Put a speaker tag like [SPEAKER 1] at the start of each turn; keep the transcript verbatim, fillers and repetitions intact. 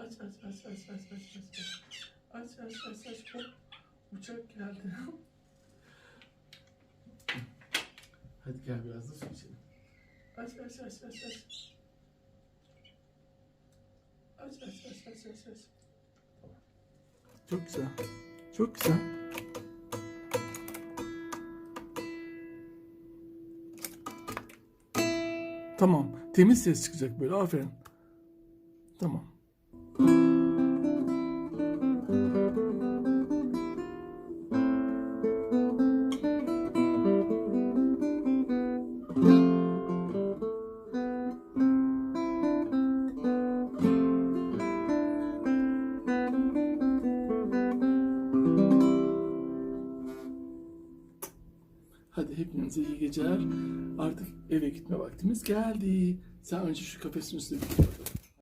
[SPEAKER 1] Aç aç aç aç aç aç aç. Aç aç aç aç. Hop. Uçak geldi. Hadi gel biraz da su içelim. Aç aç aç aç aç. Aç aç aç aç aç aç. Çok güzel. Çok güzel. Tamam. Temiz ses çıkacak böyle. Aferin. Tamam. Hadi hepinize iyi geceler. Artık eve gitme vaktimiz geldi. Sen önce şu kafesin üstüne bir